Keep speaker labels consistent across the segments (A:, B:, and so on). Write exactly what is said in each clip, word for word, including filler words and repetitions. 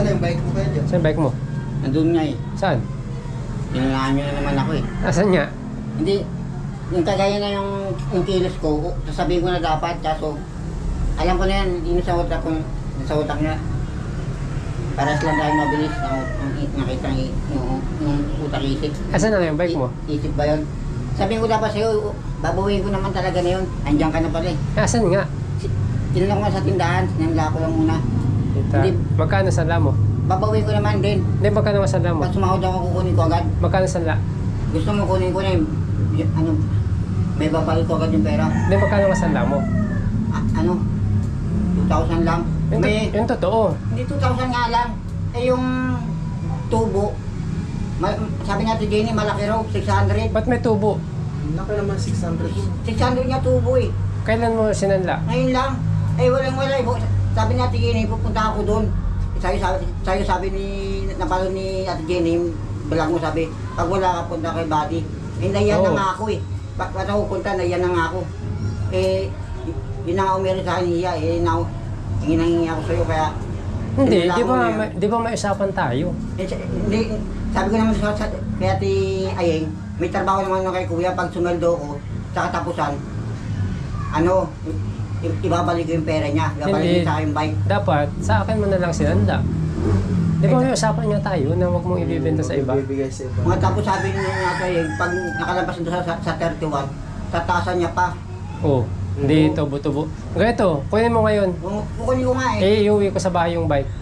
A: yung bike mo kayo dyan?
B: Saan yung bike mo?
C: Nandun nga eh.
B: Saan?
C: Tinangaan nyo na naman ako eh.
B: Asan nga?
C: Hindi, yung kagaya na yung, yung kilos ko, sasabihin ko na dapat, kaso alam ko na yan, yung sa utak ko, yung sa utak niya. Paras lang tayo mabilis, nakita yung, yung, yung utak isip.
B: Asan na yung bike mo?
C: I, isip ba yun? Sabihin ko dapat sa'yo, babawiin ko naman talaga na yun. Andiyan ka na pala eh.
B: Asan nga?
C: Tinanong ko nga sa tindahan, sinanla ko lang muna.
B: Kita.
C: Hindi.
B: Magkano sanla mo?
C: Babawiin ko naman din.
B: Hindi, magkano ang sanla mo?
C: Pag sumahod ako, kukunin ko agad.
B: Magkano sanla?
C: Gusto mo kunin ko na yung, yung ano, may babalit ko agad yung pera.
B: Hindi, magkano ang sanla mo?
C: Ah, ano, two thousand lang.
B: Yung,
C: May,
B: yung totoo.
C: hindi two thousand nga lang. Eh yung tubo, ma, sabi natin Jenny, malaki raw, six hundred.
B: Ba't may tubo?
A: Laki naman six hundred.
C: six hundred nga tubo eh.
B: Kailan mo sinanla?
C: Ngayon lang. Eh walang wala eh. Sabi natin Jenny, pupunta ako doon. Sa'yo sabi, sa'yo sabi ni, napalo ni Ate Jenny, balang mo sabi, pag wala ka punta kay Buddy. Eh naiyan
B: Oo.
C: na nga ako eh. Ba't ba't ako punta, naiyan na nga ako. Eh, yun na nga umirin sa akin niya, eh na, hinangingi ako sa'yo kaya.
B: Hindi,
C: sinula
B: di
C: ko
B: ba,
C: na yun.
B: may, di ba may usapan tayo?
C: Eh, sa- hindi, sabi ko naman sa, sa kay Ate Ayeng, may trabaho naman na kay Kuya, pag sumeldo ko, sa katapusan, ano, i- ibabalik ko yung pera niya, ibabalik
B: Hindi.
C: niya sa akin yung bike.
B: Dapat, sa akin mo na lang sinanla. Di ba may usapan nga tayo na huwag mong ibibenta sa iba?
A: Bibigay sa iba.
C: Mga tapos sabi niya nga Ate Ayeng, pag nakalabas nito sa, sa, sa thirty-one, tataasan niya pa.
B: Oo. Hindi, tubo-tubo. Ganito, kunin mo ngayon.
C: Kung- Kukunin ko nga eh.
B: Eh, iuwi ko sa bahay yung bike.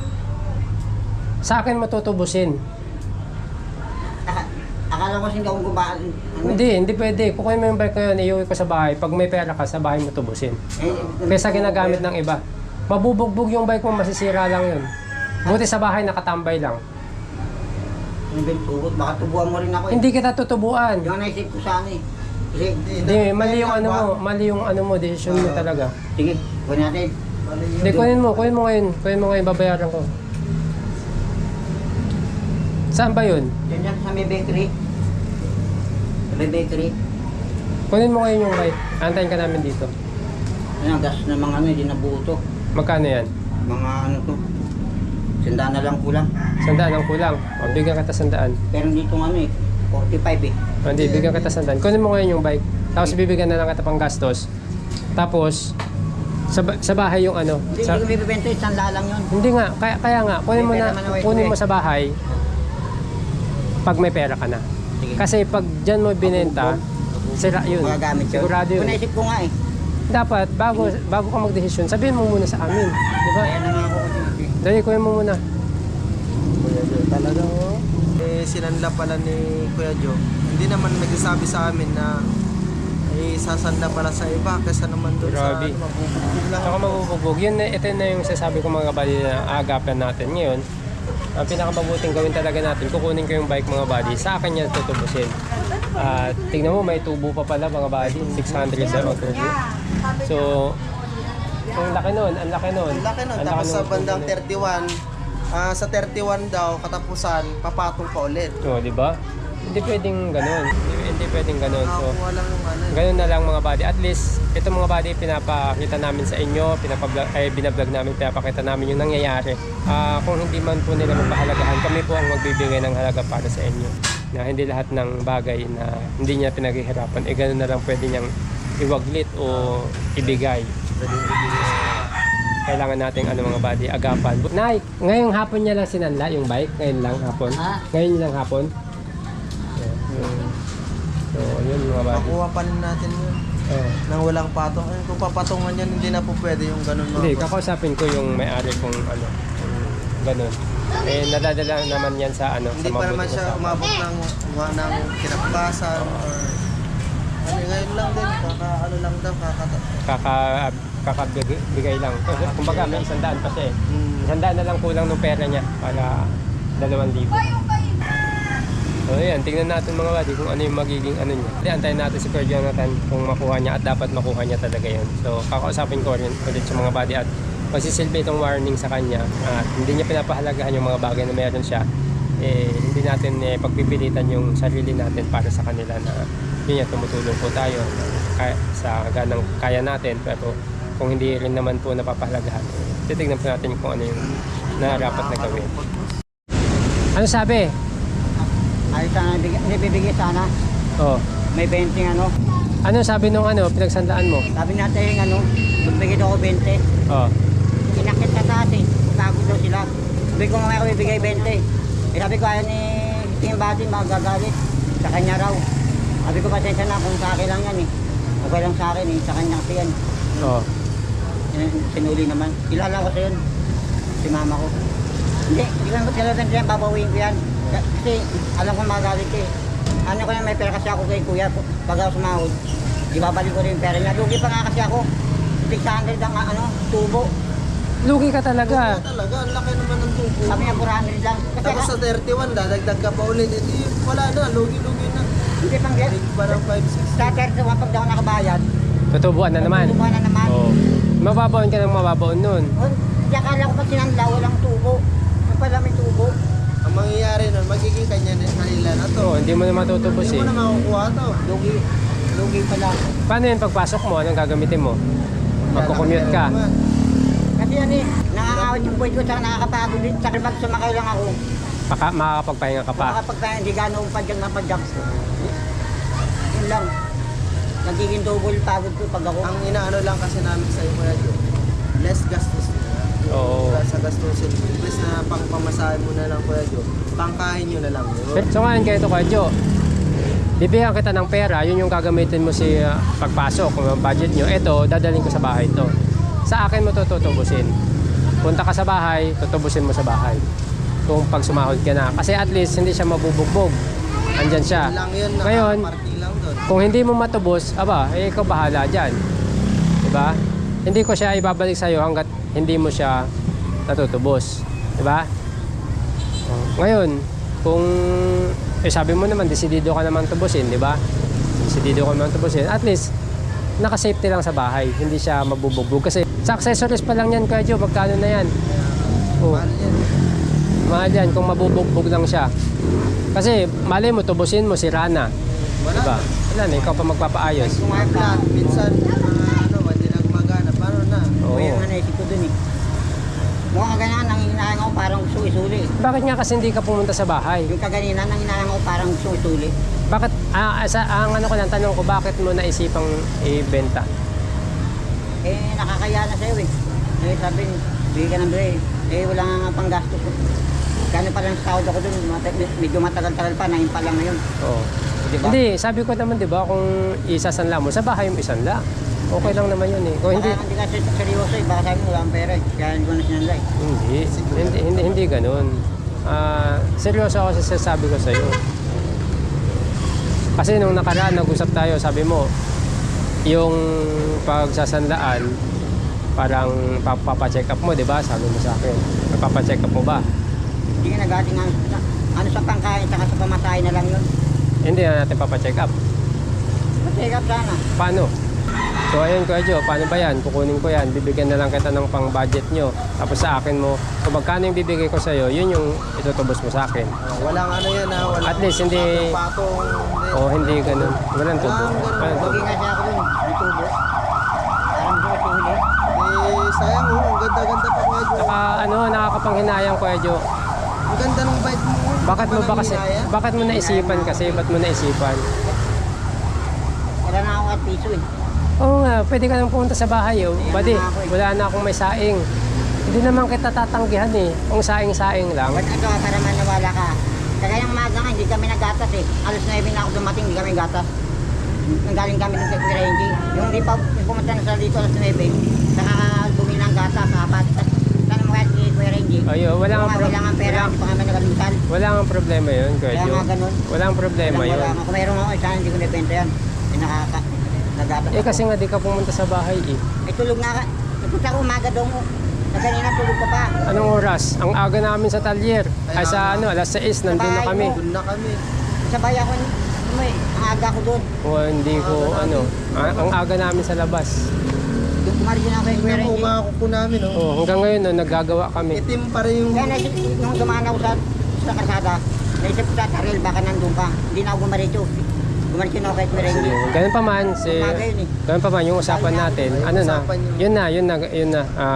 B: Sa akin matutubusin.
C: Aka- Akala ko hindi akong gubaan. Ano?
B: Hindi, hindi pwede. Kukunin mo yung bike ngayon, iuwi ko sa bahay. Pag may pera ka, sa bahay mo tubusin.
C: Eh,
B: Kaysa ginagamit ng iba. Mabubugbog yung bike mo, masisira lang yun. Buti sa bahay, nakatambay lang.
C: Ano ba yung tugot? Baka tubuan mo rin ako eh.
B: Hindi kita tutubuan.
C: Yung naisip ko sana eh. Kasi,
B: Hindi, mali yung ano mo, mali yung ano mo, decision mo talaga.
C: sige, kunin natin.
B: Hindi, kunin mo, kunin mo ngayon. Kunin mo ngayon, babayaran ko. Saan ba yun?
C: Yan yan sa may bakery. Sa may bakery.
B: Kunin mo ngayon yung bike. Antayin ka namin dito.
C: Ano, gas na mga ano, hindi nabuo to.
B: Magkano yan?
C: Mga ano to. Sandaan na lang kulang.
B: Sandaan ang kulang. O, bigyan kita sandaan.
C: Pero dito ano eh, forty-five eh.
B: O, hindi, bigyan kita sandaan. Kunin mo ngayon yung bike. Tapos bibigyan na lang kita pang gastos. Tapos, sa, ba- sa bahay yung ano.
C: Hindi,
B: Sa,
C: hindi ko bibibenta eh, sanda lang yun.
B: hindi nga, kaya, kaya nga, kunin mo
C: May
B: na,
C: pera man ako eh,
B: kunin mo
C: eh.
B: sa bahay pag may pera ka na.
C: Sige.
B: Kasi pag dyan mo binenta, sira yun.
C: Magagamit yun.
B: Sigurado yun.
C: Kung naisip ko nga eh.
B: Dapat, bago, bago ka magdesisyon, sabihin mo muna sa amin. Di ba?
C: Kaya na nga ako kasi.
B: Dali, kunin mo muna.
A: Kuya Joe, talaga oh. Eh, sinanla pala ni Kuya Joe. Hindi naman nagsasabi sa amin na eh, sasanda pala sa iba kaysa naman doon sa
B: Grabe.
A: ano, mabubugbog lang.
B: Saka mabubugbog. Yun, na- ito na yung sasabi ko mga kabady na aagapan natin ngayon. Ang pinakamabuting gawin talaga natin, kukunin ko yung bike mga buddy, sa akin yan tutubusin. At tingnan mo, may tubo pa pala mga buddy, six hundred daw ang tubo. So, ang laki nun, ang laki nun.
A: Ang laki nun.
B: Ang
A: Tapos
B: laki
A: sa
B: nun,
A: bandang
B: tubo nun.
A: thirty-one, ah, sa thirty-one daw, katapusan, papatong pa ulit.
B: Oo, di ba? Hindi pwedeng ganun. Hindi, hindi pwedeng ganun. So,
A: Nakakuha lang yung ano. eh.
B: ganun na lang mga buddy. At least, ito mga buddy, pinapakita namin sa inyo, pinapablog, ay binablog namin, pinapakita namin yung nangyayari. Ah, kung hindi man po nila mapahalagahan, kami po ang magbibigay ng halaga para sa inyo. Na hindi lahat ng bagay na hindi niya pinaghihirapan, eh ganun na lang pwede niyang iwaglit o ibigay. Kailangan nating ano mga buddy, agapan. Nay, ngayong hapon niya lang sinanla yung bike, ngayon lang hapon.
C: Ha?
B: Ngayon lang hapon. So, yun mga buddy.
A: Makuha pa rin natin yun.
B: Oh.
A: Nang walang patong. Eh, kung papatungan yan, hindi na po pwede yung ganun mga
B: Hindi,
A: boss.
B: kakausapin ko yung may-ari kung ano, kung ganun. Eh, nadadala naman yan sa ano,
A: Hindi
B: sa
A: pa naman
B: mabuting
A: siya
B: usapan.
A: umabot ng, ng kinakbasan or ano, ngayon lang din, kaka ano lang daw, kakata.
B: Kaka, kakabigay lang. Kasi, kumbaga, may isang daan pa siya eh.
A: Hmm.
B: Isang daan na lang kulang ng pera niya para dalawang libo. So, ayan, tingnan natin mga buddy kung ano yung magiging ano niya. Hindi, antayin natin si Kuya Jonathan kung makuha niya at dapat makuha niya talaga yun. So, kakausapin ko rin ulit sa mga buddy at magsisilbi itong warning sa kanya at hindi niya pinapahalagahan yung mga bagay na meron siya. Eh, hindi natin eh, pagpipilitan yung sarili natin para sa kanila na yun yan, tumutulong po tayo kaya, sa ganang kaya natin, pero kung hindi rin naman po napapahalagahan, eh, titignan po natin kung ano yung na dapat na gawin. Ano sabi?
C: Ay, sana, bigay- hindi bibigay sana.
B: Oh.
C: May twenty ano.
B: Ano sabi nung ano, pinagsandaan mo?
C: Sabi natin ano, magbigay daw ako twenty.
B: Oh.
C: Inakit sa taas eh. Bago daw sila. Sabi ko mamaya ko bibigay twenty. Eh sabi ko ayaw ni Team Buddy magagalit. Sa kanya raw. Sabi ko pasensya na kung sa akin lang yan eh. Okay lang sa akin eh. Sa kanya kasi yan.
B: Oh.
C: Eh, Sinuli naman. Kilala ko sa yun. Si mama ko. Hindi, hindi ko naman talagang yan. Babawiin ko yan. Kasi alam ko magagalit eh. Ano ko na may pera kasi ako kay kuya. Pag ako sumahod, ibabalik ko rin yung pera niya. Lugi pa nga kasi ako. six hundred ang ano, tubo.
B: Lugi ka talaga.
A: Wala talaga, ang laki naman ng tubo.
C: Sabi niya four hundred lang. Kasi
A: Tapos sa thirty-one, dadagdag ka pa ulit. Ito yun, wala na, lugi-lugi na.
C: hindi pang get.
A: Big parang five six.
C: Sa thirty-one pag daw nakabayad,
B: Tutubuan na naman.
C: tubo na naman.
B: Oh. Mababaon ka ng mababaon nun.
C: Oh, Hindi akala ko pag sinanda, walang tubo. Yung pala may tubo.
A: Ang mangyayari nun, magiging kanya na kanila na to.
B: Oh, hindi mo na matutubos
A: Hindi
B: eh.
A: mo na makukuha to.
C: Lugi. Lugi pala.
B: Paano yun pagpasok mo? Anong gagamitin mo? Magkukommute ka.
C: Kasi yan eh, nangangawit yung buhay ko, tsaka nakakapagod din. Tsaka pag sumakay lang ako,
B: Paka, makakapagpahinga ka pa.
C: makakapagpahinga, hindi gano'ng padyak na padyak. Yun lang. Nagiging double pagod ko pag ako.
A: Ang inaano lang kasi namin sa iyo, Kuya Joe, less gastos.
B: Oo.
A: Wala sa gastusin. Imbes na pang pamasahe mo na lang, Kuya Joe, pangkain nyo na lang yun.
B: So ngayon kayo ito Kuya Jo, bibigyan kita ng pera, yun yung gagamitin mo si uh, pagpasok, kung ang budget nyo. Ito, dadalhin ko sa bahay to. Sa akin mo to tutubusin. Punta ka sa bahay, tutubusin mo sa bahay. Kung pag sumahod ka na. Kasi at least hindi siya mabubugbog. Andyan siya.
A: Yun lang yun,
B: Ngayon,
A: nakaparty lang doon.
B: kung hindi mo matubos, aba, eh, ikaw bahala dyan. Diba? Hindi ko siya ibabalik sa'yo hanggat hindi mo siya natutubos. Diba? Oh, ngayon, kung eh, sabi mo naman, desidido ka naman tubusin, di ba? Desidido ka naman tubusin. At least, naka-safety lang sa bahay. Hindi siya mabubugbog. Kasi sa accessories pa lang yan, Kuya Jo, magkano na yan? Oh,
A: Mahal yan.
B: mahal yan kung mabubugbog lang siya. Kasi, mali mo, tubusin mo, sira na.
A: Wala.
B: Diba? Wala na, ikaw pa magpapaayos.
A: Kumain ka, minsan, mga ano, hindi na gumagana. Paano na?
B: Oo.
C: Kaya nga naisip ko dun eh. Mukhang ganyan, nang hinahan ako parang gusto isuli.
B: Bakit nga kasi hindi ka pumunta sa bahay?
C: Yung kaganina, nang hinahan ako parang gusto isuli.
B: Bakit, ah, sa, ang ano ko lang, tanong ko, bakit mo naisipang ibenta?
C: Eh, nakakaya na sa'yo eh. Eh, sabi, bigay ka ng bigay. Eh, wala nga pang gasto ko. Gano'n pa lang sa sahod ako dun, mat- medyo matagal-tagal pa, nahin pa lang ngayon.
B: Oo.
C: Diba?
B: Hindi, sabi ko naman, di ba, kung isasanla mo, sa bahay mo isanla. Okay lang naman yun eh. Kung hindi,
C: Baka hindi ka ser- seryoso eh, baka sabi mo wala akong pera eh. Kaya hindi ko na sinanla eh.
B: hindi, hindi, hindi, hindi ganun. Ah, seryoso ako sa sasabi ko sa'yo. Kasi nung nakaraan, nag-usap tayo, sabi mo, yung pagsasanlaan, parang papacheck up mo, di ba? Sabi mo sa akin. Papacheck up mo ba?
C: Hindi ka nagating ano, ano sa pangkain, saka sa pamasahe na lang yun.
B: Hindi na natin papacheck up.
C: Check up sana.
B: Paano? So ayun Kuya Jo, paano ba yan? Kukunin ko yan, bibigyan na lang kita ng pang-budget nyo. Tapos sa akin mo, kung magkano yung bibigay ko sa'yo, yun yung itutubos mo sa akin.
A: Oh, walang ano yan ha, walang
B: At least hindi-
A: patong, hindi.
B: O hindi ganun. Walang tubo.
A: Walang ganun.
B: Walang tubo.
C: Lugi nga siya ako dun, may tubo. Parang gusto ko huli.
A: Eh, sayang oh, ang ganda-ganda pa, Kuya Joe.
B: Saka ano, nakakapanghinayang Kuya Jo.
A: Ang ganda ng bike mo.
B: Bakit mo ba kasi,
A: Pananginaya?
B: bakit mo naisipan kasi? Ba't mo naisipan?
C: Wala na ako at piso eh.
B: Oo nga, pwede ka nang pumunta sa bahay oh. Buddy, wala na akong may saing. Hindi naman kita tatanggihan eh. Kung saing-saing lang.
C: Ba't ito, para maniwala ka? Kagaya ng maga nga, hindi kami naggatas eh. Alas nine na ako dumating, hindi kami gatas. Nanggaling kami dun sa Kuya Yung di pa yung pumunta na sa dito alas nine, saka bumili ng gatas, apat. Sana mo kahit kay Kuya Renji.
B: Ayo, wala nga pro-
C: Wala nga pera,
B: wala-
C: hindi pa kami nagalimutan.
B: Wala nga problema yun, Kuya
C: Kaya
B: Jo.
C: nga ganun.
B: Walang problema
C: Wala,
B: yun.
C: wala nga. Kung mayroon ako, sana hindi ko nabenta yan. Eh, nakaka, nagatas
B: Eh
C: ako.
B: kasi nga di ka pumunta sa bahay eh.
C: Eh, tulog na ka. Nagpunta ako umaga daw mo. Na kanina tulog ka pa.
B: Anong oras? Ang aga namin sa talyer. Ay sa ano, alas sais, nandun na kami.
A: Doon na kami.
C: Sabay ako, ano eh, ang aga ko doon.
B: O hindi ko ano, a- ang aga namin sa labas.
C: Yung kumaryo na ako kay Kuya
A: Tingnan mo,
C: Renji.
A: mga kuko namin oh.
B: Oh, hanggang ngayon no, naggagawa kami.
A: Itim pa rin yung...
C: Kaya naisip, nung dumaan ako sa, sa karsada, naisip ko sa Taril, baka nandun ka. Hindi na ako gumarito. Gumarito na ako kay Kuya Renji.
B: Ganun pa man si
C: Umaga yun eh.
B: ganun pa man yung usapan natin. Ano na? Yun na, yun na, yun na. Ah,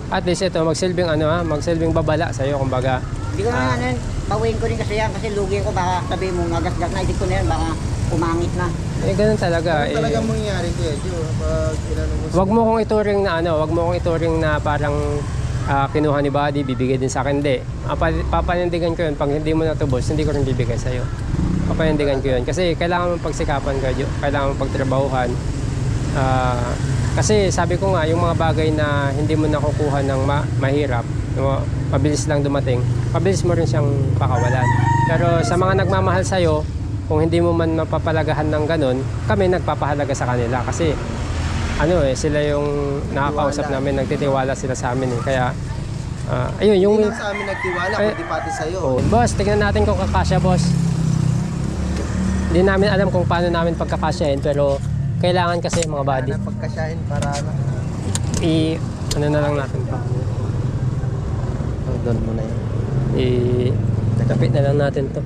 B: At least ito, magsilbing ano ha, magsilbing babala sa'yo, kumbaga.
C: Hindi ko na
B: Ah.
C: ano yun, bawiin ko rin kasi yan kasi lugi ko baka sabihin mo nagasgas na, hindi ko na yan, baka umangit na.
B: Eh, ganun talaga.
A: Ano
B: Eh,
A: talaga mangyayari Kuya Joe kapag inano mo?
B: wag mo kong ituring na ano, wag mo kong ituring na parang ah, kinuha ni Buddy, bibigay din sa akin. Hindi. Papa- Papanindigan ko yun. Pag hindi mo natubos, hindi ko rin bibigay sa'yo. Papanindigan ko yun. Kasi kailangan mong pagsikapan ka, Jo. Kailangan mong pagtrabahuhan. Ah, kasi sabi ko nga, yung mga bagay na hindi mo nakukuha ng ma- mahirap, no, mabilis lang dumating, mabilis mo rin siyang pakawalan. Pero sa mga nagmamahal sa'yo, kung hindi mo man mapapalagahan ng ganun, kami nagpapahalaga sa kanila. Kasi ano eh, sila yung nakakausap namin, nagtitiwala sila sa amin eh. Kaya, ah, ayun, yung...
A: Hindi lang sa amin nagtiwala,
B: Eh,
A: kundi pati sa'yo.
B: Oh, boss, tignan natin kung kakasya, boss. Hindi namin alam kung paano namin pagkakasyahin, pero kailangan kasi mga buddy.
A: Na pagkasyahin para ano.
B: I, ano na lang natin to.
A: Oh, doon mo na yun.
B: I, kapit na lang natin to.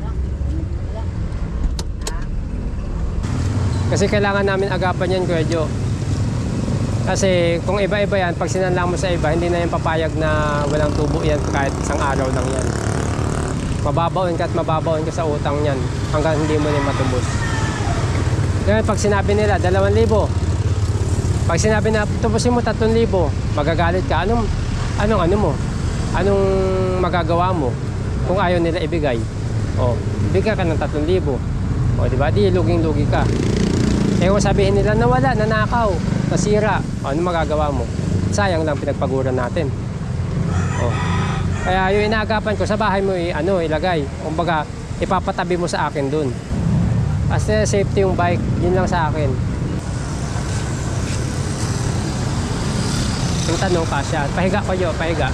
B: Kasi kailangan namin agapan yan, Kuya Jo. Kasi kung iba-iba yan, pag sinanlang mo sa iba, hindi na yung papayag na walang tubo yan kahit isang araw lang yan. Mababaon ka at mababaon ka sa utang yan hanggang hindi mo na matubos. Ngayon, pag sinabi nila, dalawang libo. Pag sinabi na, tubusin mo tatlong libo, magagalit ka. Anong, anong ano mo? Anong magagawa mo kung ayaw nila ibigay? O, bigyan ka ng tatlong libo. O, di ba? Di, luging-lugi ka. Eh, kung sabihin nila, nawala, nanakaw, nasira, o, ano magagawa mo? Sayang lang pinagpaguran natin. O. Kaya yung inaagapan ko, sa bahay mo i, ano, ilagay. Kumbaga, ipapatabi mo sa akin dun. Kasi safety yung bike, yun lang sa akin. Yung tanong kasya. Pahiga ko yun, pahiga.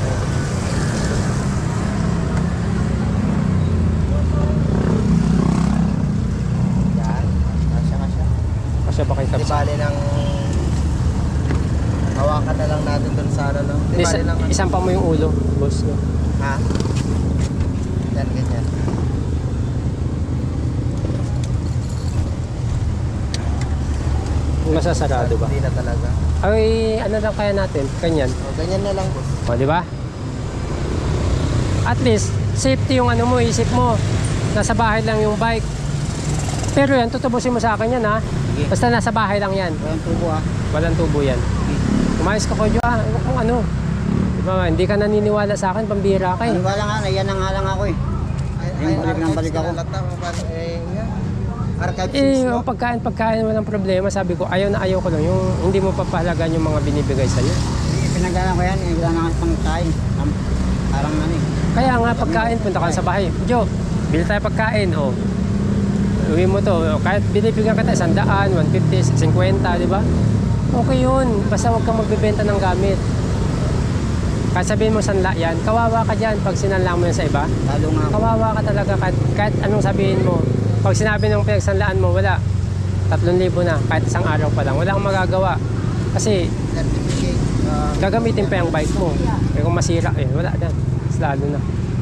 A: Yan. Kasya, kasya.
B: Kasya ba kayo
A: Di
B: kapsa?
A: bali ng... Hawakan na lang natin doon sa ano, no? Di
B: Isa,
A: bali lang...
B: isang pa mo yung ulo, boss. No?
A: Ha? Yan, ganyan.
B: Masasarado ba?
A: Hindi na talaga.
B: Ay, ano lang kaya natin? Kanyan.
A: O, ganyan na lang, boss.
B: O, di ba? At least, safety yung ano mo, isip mo. Nasa bahay lang yung bike. Pero yan, tutubusin mo sa akin yan, ha?
C: Sige.
B: Basta nasa bahay lang yan.
C: Walang tubo ah.
B: Walang tubo yan. Umayos ka ko, Jo, ah. Ewan kung ano. Diba, hindi ka naniniwala sa akin, pambira ka eh.
C: Ano nga nga, yan na nga lang ako eh. Yung balik ng balik ako.
A: Eh, nga. Archive
B: Eh,
A: scenes, no?
B: yung pagkain, pagkain, walang problema. Sabi ko, ayaw na ayaw ko lang. Yung hindi mo papahalagan yung mga binibigay sa'yo.
C: Pinagdala ko yan, eh, wala na nga pang kain. Am- Parang ano eh.
B: Kaya nga, pagkain, punta ka sa bahay. Jo, bili tayo pagkain, oh. Uwi mo to, kahit binibigyan kita isang daan, one fifty, fifty, di ba? Okay yun, basta huwag kang magbebenta ng gamit. Kahit sabihin mo sanla yan, kawawa ka dyan pag sinanla mo yan sa iba.
C: Lalo nga ako.
B: Kawawa ka talaga kahit, kahit anong sabihin mo. Pag sinabi ng pinagsanlaan mo, wala. Tatlong libo na, kahit isang araw pa lang. Wala kang magagawa. Kasi
A: Certificate. ah,
B: gagamitin pa yung bike mo. Eh kung masira, eh wala na. Mas lalo na.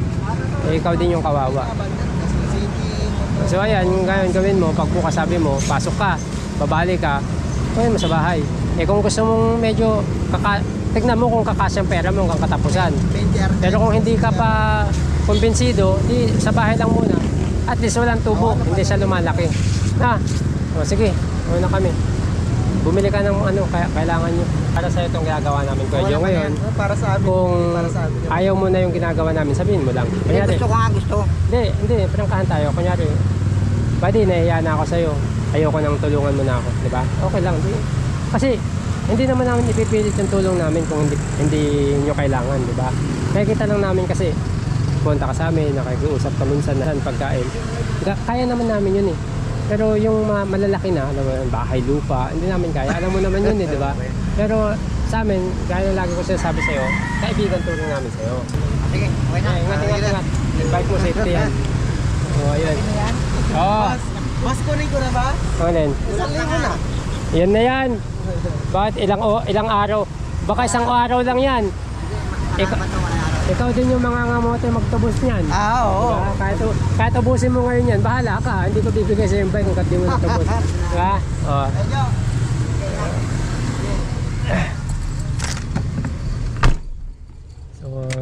B: Eh ikaw din yung kawawa.
A: abandoned kasi city.
B: So ayan, yung ngayon gawin mo, pag bukas sabi mo, pasok ka, babalik ka, uwi mo sa bahay. Eh kung gusto mong medyo, kaka tignan mo kung kakasyang pera mo hanggang katapusan.
A: twenty archive.
B: Pero kung hindi ka pa kumbinsido, di sa bahay lang muna. At least walang tubo, hindi siya lumalaki. Ha? O sige, una kami. Bumili ka ng ano, kaya kailangan nyo. Para sa'yo itong ginagawa namin, Kuya Jo, ngayon.
A: Oh, para sa amin.
B: Kung
A: para sa amin.
B: ayaw mo na yung ginagawa namin, sabihin mo lang.
C: Eh,
B: Kunyari,
C: gusto ko nga gusto.
B: hindi, hindi, prangkahan tayo. Kunyari, buddy, nahiya na ako sa'yo. Ayoko nang tulungan mo na ako, di ba? Okay lang, di. Kasi, hindi naman namin ipipilit yung tulong namin kung hindi, hindi nyo kailangan, di ba? Nakikita lang namin kasi, punta ka sa amin, nakikiusap ka minsan na pagkain. Ga- Kaya naman namin yun eh. Pero yung ma- malalaki na, alam mo, bahay, lupa, hindi namin kaya. Alam mo naman yun eh, di ba? Pero sa amin, gaya na lagi ko sinasabi sa'yo, kaibigan tulong namin sa'yo.
C: Sige, okay na.
B: Eh, ingat, ingat, ingat. Bike mo, safety yan. Oo, ayun. Oo.
A: Boss, boss, kunin ko na ba?
B: Ano din?
A: Isang libo na.
B: Yan na yan. Bakit ilang, o, ilang araw? Baka isang araw lang yan. Ikaw, ikaw din yung mga ngamote magtubos niyan.
A: Ah, oo.
B: Diba? Kahit, kahit ubusin mo ngayon yan, bahala ka. Hindi ko bibigay sa yung bike kung di mo natubos. Diba? Oh.
A: Medyo.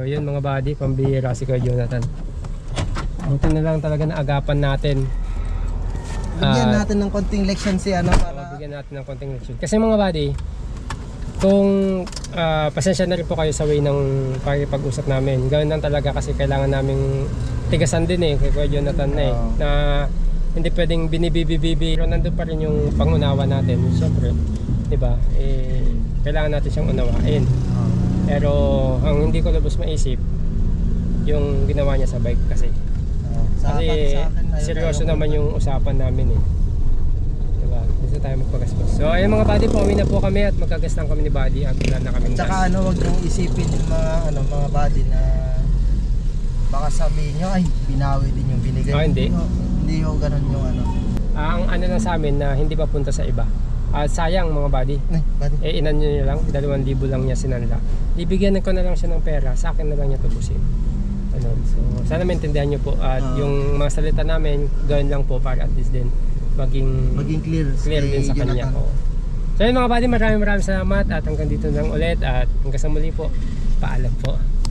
B: So yun mga buddy, pambihira si Kuya Jonathan. Buti na lang talaga na agapan natin.
A: Bigyan
B: Ah,
A: natin ng konting leksyon si ano
B: para
A: para
B: bigyan natin ng konting leksyon. Kasi mga buddy, kung ah, pasensya na rin po kayo sa way ng pakipag-usap namin. Gawin lang talaga kasi kailangan naming tigasan din eh kay Kuya Jonathan na eh.
A: Oo.
B: Na hindi pwedeng binibibibibi. Pero nandun pa rin yung pangunawa natin. Siyempre, di ba? Eh, kailangan natin siyang unawain. Pero ang hindi ko lubos maisip, yung ginawa niya sa bike kasi.
A: sa
B: Kasi
A: akin- sa akin, ayun,
B: seryoso
A: ayun.
B: naman yung usapan namin eh. Diba? Gusto tayo magpagastos. So ayun mga buddy, pauwi na po kami at magkagas lang kami ni buddy at wala na kaming
A: Tsaka
B: gas.
A: ano, wag niyong isipin yung mga ano mga body na baka sabihin nyo ay binawi din yung binigay.
B: Ah, hindi.
A: ho, hindi ho ganun yung ano.
B: Ah, ang ano lang sa amin na hindi pa punta sa iba. Ah, sayang mga buddy.
A: Ay, body.
B: Eh inan nyo nyo lang, dalawang libo lang niya sinanla. Ibigyan ko na lang siya ng pera, sa akin na lang niya tubusin. Ano, so sana maintindihan nyo po at
A: Ah.
B: yung mga salita namin, gawin lang po para at least din maging,
A: Maging clear,
B: clear
A: kay
B: din sa kanya.
A: Jonathan.
B: Oo. So yun mga buddy, maraming maraming salamat at hanggang dito lang ulit at hanggang sa muli po, paalam po.